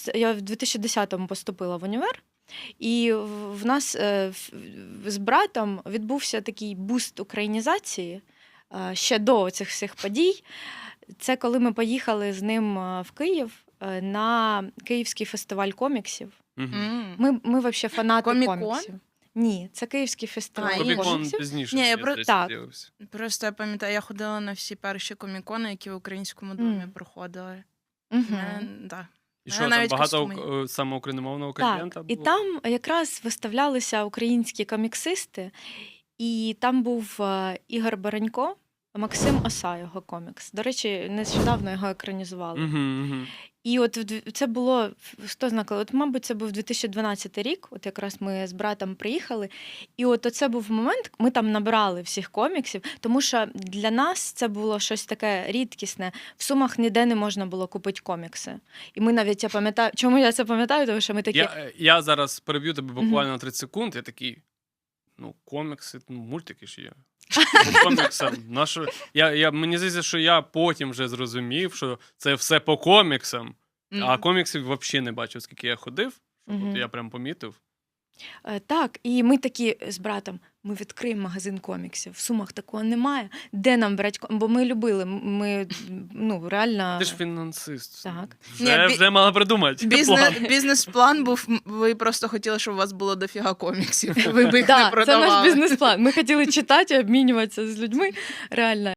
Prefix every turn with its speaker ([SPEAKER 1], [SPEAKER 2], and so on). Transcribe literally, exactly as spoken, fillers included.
[SPEAKER 1] нас, я в дві тисячі десятому поступила в універ, і в нас е, в- з братом відбувся такий буст українізації е, ще до цих всіх подій. Це коли ми поїхали з ним е, в Київ е, на Київський фестиваль коміксів.
[SPEAKER 2] Мгм.
[SPEAKER 3] М.
[SPEAKER 1] Ми, ми взагалі фанати
[SPEAKER 3] Комікон?
[SPEAKER 1] коміксів. Ні, це Київський фестиваль
[SPEAKER 3] А, інший.
[SPEAKER 2] Комікон
[SPEAKER 1] коміксів.
[SPEAKER 2] пізніше.
[SPEAKER 3] Ні, я
[SPEAKER 2] мені
[SPEAKER 3] про-
[SPEAKER 2] здається,
[SPEAKER 1] так.
[SPEAKER 2] з'явився.
[SPEAKER 3] Просто я пам'ятаю, я ходила на всі перші комікони, які в Українському домі
[SPEAKER 1] Мгм.
[SPEAKER 3] проходили.
[SPEAKER 1] Мгм.
[SPEAKER 3] Мене- да.
[SPEAKER 2] І
[SPEAKER 3] Мене
[SPEAKER 2] що, там
[SPEAKER 3] навіть
[SPEAKER 2] багато
[SPEAKER 3] костюми
[SPEAKER 2] е, саме україномовного
[SPEAKER 1] Так,
[SPEAKER 2] контента
[SPEAKER 1] і
[SPEAKER 2] було?
[SPEAKER 1] там якраз виставлялися українські коміксисти, і там був е, Ігор Баранько, Максим Оса, його комікс. До речі, нещодавно його екранізували.
[SPEAKER 2] Мгм, мгм.
[SPEAKER 1] І от в дві- це було, хто знає, коли? От, мабуть, це був дві тисячі дванадцятий рік, от якраз ми з братом приїхали. І от це був момент, ми там набрали всіх коміксів, тому що для нас це було щось таке рідкісне. В Сумах ніде не можна було купити комікси. І ми навіть, я пам'ятаю, чому я це пам'ятаю, тому що ми такі...
[SPEAKER 2] Я, е, я зараз переб'ю тебе буквально на тридцять секунд, я такий, ну, комікси, ну, мультики ж є. По коміксам. Нащо? Я, я, мені здається, що я потім вже зрозумів, що це все по коміксам,
[SPEAKER 3] М.
[SPEAKER 2] а коміксів взагалі не бачив, скільки я ходив.
[SPEAKER 1] Мгм.
[SPEAKER 2] От я прям помітив.
[SPEAKER 1] Е, Так, і ми такі з братом, ми відкриємо магазин коміксів. В Сумах такого немає. Де нам брати ком- Бо ми любили, м- ми, ну, реально...
[SPEAKER 2] Ти ж фінансист.
[SPEAKER 1] Так.
[SPEAKER 2] Вже,
[SPEAKER 3] Ні, бі-
[SPEAKER 2] вже мала придумати.
[SPEAKER 3] Бізнес,
[SPEAKER 2] план.
[SPEAKER 3] бізнес-план був, м, ви просто хотіли, щоб у вас було дофіга коміксів. Ви б їх
[SPEAKER 1] Да,
[SPEAKER 3] не
[SPEAKER 1] це
[SPEAKER 3] продавали.
[SPEAKER 1] наш бізнес-план. Ми хотіли читати, обмінюватися з людьми. Реально.